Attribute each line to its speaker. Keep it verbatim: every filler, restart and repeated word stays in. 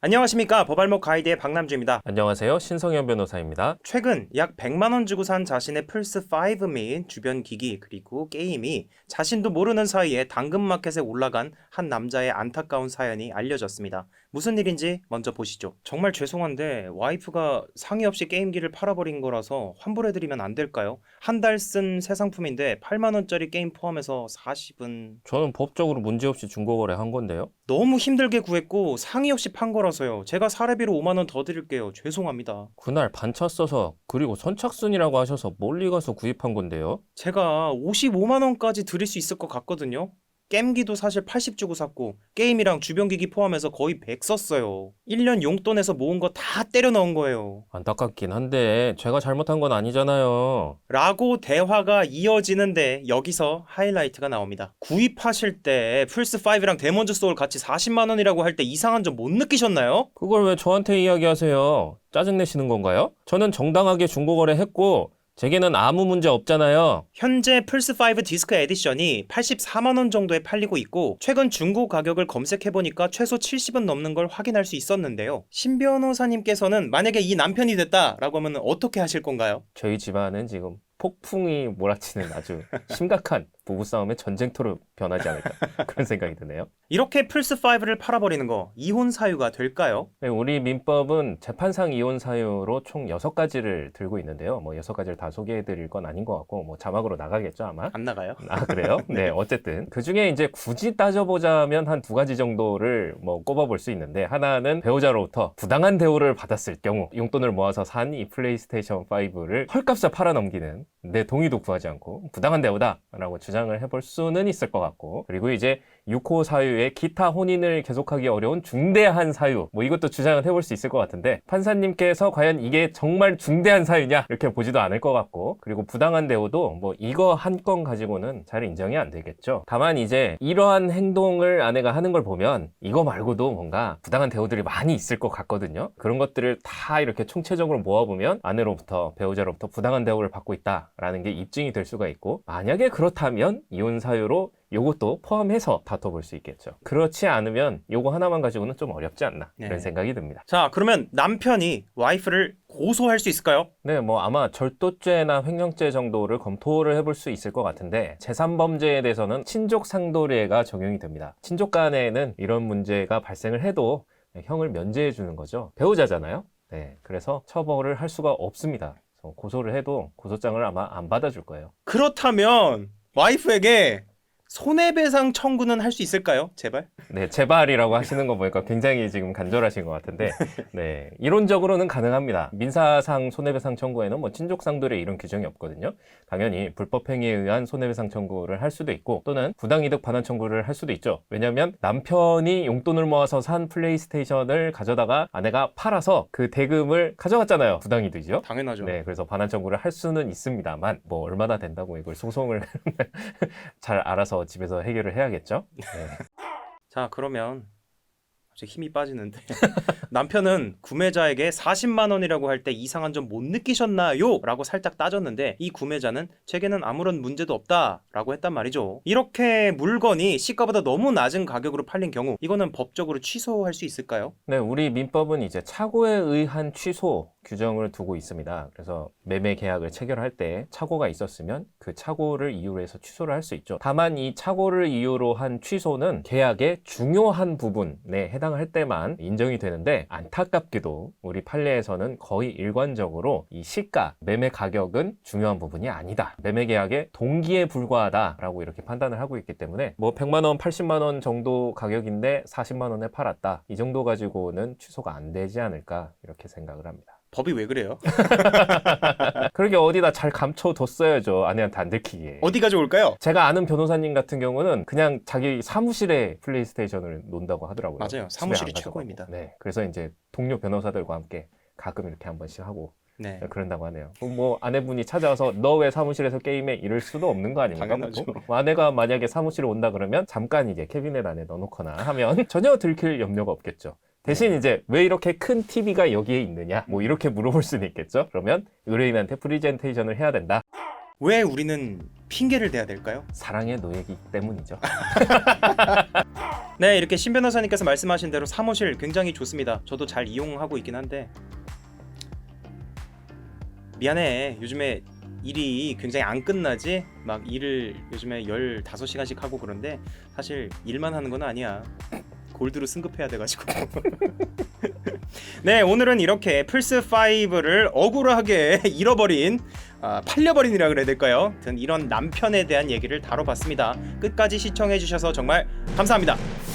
Speaker 1: 안녕하십니까. 법알목 가이드의 박남주입니다.
Speaker 2: 안녕하세요. 신성현 변호사입니다.
Speaker 1: 최근 약 백만 원 주고 산 자신의 플스 파이브 및 주변 기기 그리고 게임이 자신도 모르는 사이에 당근마켓에 올라간 한 남자의 안타까운 사연이 알려졌습니다. 무슨 일인지 먼저 보시죠. 정말 죄송한데 와이프가 상의 없이 게임기를 팔아버린 거라서 환불해드리면 안 될까요? 한 달 쓴 새 상품인데 팔만 원짜리 게임 포함해서 사십은...
Speaker 2: 저는 법적으로 문제없이 중고거래 한 건데요.
Speaker 1: 너무 힘들게 구했고 상의 없이 판 거라서요. 제가 사례비로 오만 원 더 드릴게요. 죄송합니다.
Speaker 2: 그날 반차 써서 그리고 선착순이라고 하셔서 멀리 가서 구입한 건데요.
Speaker 1: 제가 오십오만 원까지 드릴 수 있을 것 같거든요. 게임기도 사실 팔십 주고 샀고 게임이랑 주변기기 포함해서 거의 백 썼어요. 일 년 용돈에서 모은 거 다 때려 넣은 거예요.
Speaker 2: 안타깝긴 한데 제가 잘못한 건 아니잖아요.
Speaker 1: 라고 대화가 이어지는데 여기서 하이라이트가 나옵니다. 구입하실 때 플스파이브랑 데몬즈 소울 같이 사십만 원이라고 할 때 이상한 점 못 느끼셨나요?
Speaker 2: 그걸 왜 저한테 이야기하세요? 짜증내시는 건가요? 저는 정당하게 중고거래 했고 제게는 아무 문제 없잖아요.
Speaker 1: 현재 플스파이브 디스크 에디션이 팔십사만 원 정도에 팔리고 있고 최근 중고 가격을 검색해보니까 최소 칠십은 넘는 걸 확인할 수 있었는데요. 신 변호사님께서는 만약에 이 남편이 됐다라고 하면 어떻게 하실 건가요?
Speaker 2: 저희 집안은 지금 폭풍이 몰아치는 아주 심각한 부부싸움의 전쟁터로 변하지 않을까 그런 생각이 드네요.
Speaker 1: 이렇게 플스파이브를 팔아버리는 거 이혼 사유가 될까요?
Speaker 2: 네, 우리 민법은 재판상 이혼 사유로 총 여섯 가지를 들고 있는데요. 뭐 여섯 가지를 다 소개해드릴 건 아닌 것 같고 뭐 자막으로 나가겠죠 아마.
Speaker 1: 안 나가요?
Speaker 2: 아 그래요? 네, 어쨌든 그 중에 이제 굳이 따져보자면 한 두 가지 정도를 뭐 꼽아볼 수 있는데, 하나는 배우자로부터 부당한 대우를 받았을 경우 용돈을 모아서 산 이 플레이스테이션 파이브를 헐값에 팔아넘기는, 내 동의도 구하지 않고 부당한 대우다라고 주장을 해볼 수는 있을 것 같고, 그리고 이제 육 호 사유의 기타 혼인을 계속하기 어려운 중대한 사유, 뭐 이것도 주장을 해볼 수 있을 것 같은데 판사님께서 과연 이게 정말 중대한 사유냐 이렇게 보지도 않을 것 같고, 그리고 부당한 대우도 뭐 이거 한 건 가지고는 잘 인정이 안 되겠죠. 다만 이제 이러한 행동을 아내가 하는 걸 보면 이거 말고도 뭔가 부당한 대우들이 많이 있을 것 같거든요. 그런 것들을 다 이렇게 총체적으로 모아보면 아내로부터, 배우자로부터 부당한 대우를 받고 있다라는 게 입증이 될 수가 있고, 만약에 그렇다면 이혼 사유로 요것도 포함해서 다퉈볼 수 있겠죠. 그렇지 않으면 요거 하나만 가지고는 좀 어렵지 않나
Speaker 1: 네.
Speaker 2: 이런 생각이 듭니다.
Speaker 1: 자, 그러면 남편이 와이프를 고소할 수 있을까요?
Speaker 2: 네, 뭐 아마 절도죄나 횡령죄 정도를 검토를 해볼 수 있을 것 같은데, 제삼범죄에 대해서는 친족상도례가 적용이 됩니다. 친족 간에는 이런 문제가 발생을 해도 형을 면제해 주는 거죠. 배우자잖아요. 네, 그래서 처벌을 할 수가 없습니다. 그래서 고소를 해도 고소장을 아마 안 받아줄 거예요.
Speaker 1: 그렇다면 와이프에게 손해배상 청구는 할 수 있을까요? 제발?
Speaker 2: 네, 제발이라고 하시는 거 보니까 굉장히 지금 간절하신 것 같은데, 네, 이론적으로는 가능합니다. 민사상 손해배상 청구에는 뭐 친족상도례 이런 규정이 없거든요. 당연히 불법행위에 의한 손해배상 청구를 할 수도 있고, 또는 부당이득 반환 청구를 할 수도 있죠. 왜냐면 남편이 용돈을 모아서 산 플레이스테이션을 가져다가 아내가 팔아서 그 대금을 가져갔잖아요. 부당이득이죠.
Speaker 1: 당연하죠.
Speaker 2: 네, 그래서 반환 청구를 할 수는 있습니다만, 뭐 얼마나 된다고 이걸 소송을 잘 알아서 집에서 해결을 해야겠죠. 네.
Speaker 1: 자, 그러면 갑자기 힘이 빠지는데 남편은 구매자에게 사십만 원이라고 할 때 이상한 점 못 느끼셨나요? 라고 살짝 따졌는데 이 구매자는 제게는 아무런 문제도 없다 라고 했단 말이죠. 이렇게 물건이 시가보다 너무 낮은 가격으로 팔린 경우 이거는 법적으로 취소할 수 있을까요?
Speaker 2: 네, 우리 민법은 이제 착오에 의한 취소 규정을 두고 있습니다. 그래서 매매 계약을 체결할 때 착오가 있었으면 그 착오를 이유로 해서 취소를 할 수 있죠. 다만 이 착오를 이유로 한 취소는 계약의 중요한 부분에 해당할 때만 인정이 되는데, 안타깝게도 우리 판례에서는 거의 일관적으로 이 시가, 매매 가격은 중요한 부분이 아니다, 매매 계약의 동기에 불과하다라고 이렇게 판단을 하고 있기 때문에 뭐 백만 원, 팔십만 원 정도 가격인데 사십만 원에 팔았다, 이 정도 가지고는 취소가 안 되지 않을까 이렇게 생각을 합니다.
Speaker 1: 법이 왜 그래요?
Speaker 2: 그렇게 어디다 잘 감춰뒀어야죠, 아내한테 안 들키게.
Speaker 1: 어디가 좋을까요?
Speaker 2: 제가 아는 변호사님 같은 경우는 그냥 자기 사무실에 플레이스테이션을 논다고 하더라고요.
Speaker 1: 맞아요.
Speaker 2: 집에
Speaker 1: 사무실이
Speaker 2: 안 가져가고.
Speaker 1: 최고입니다.
Speaker 2: 네, 그래서 이제 동료 변호사들과 함께 가끔 이렇게 한 번씩 하고
Speaker 1: 네.
Speaker 2: 그런다고 하네요. 뭐 아내분이 찾아와서 너 왜 사무실에서 게임해? 이럴 수도 없는 거 아닙니까?
Speaker 1: 당연하죠.
Speaker 2: 뭐 아내가 만약에 사무실에 온다 그러면 잠깐 이제 캐비넷 안에 넣어놓거나 하면 전혀 들킬 염려가 없겠죠. 대신
Speaker 1: 네.
Speaker 2: 이제 왜 이렇게 큰 티비가 여기에 있느냐, 뭐 이렇게 물어볼 수는 있겠죠. 그러면 의뢰인한테 프리젠테이션을 해야 된다.
Speaker 1: 왜 우리는 핑계를 대야 될까요?
Speaker 2: 사랑의 노예이기 때문이죠.
Speaker 1: 네, 이렇게 신 변호사님께서 말씀하신 대로 사무실 굉장히 좋습니다. 저도 잘 이용하고 있긴 한데 미안해. 요즘에 일이 굉장히 안 끝나지? 막 일을 요즘에 열다섯 시간씩 하고 그런데 사실 일만 하는 건 아니야. 골드로 승급해야 돼가지고. 네, 오늘은 이렇게 플스오를 억울하게 잃어버린 아, 팔려버린이라 그래야 될까요? 아무튼 이런 남편에 대한 얘기를 다뤄봤습니다. 끝까지 시청해주셔서 정말 감사합니다.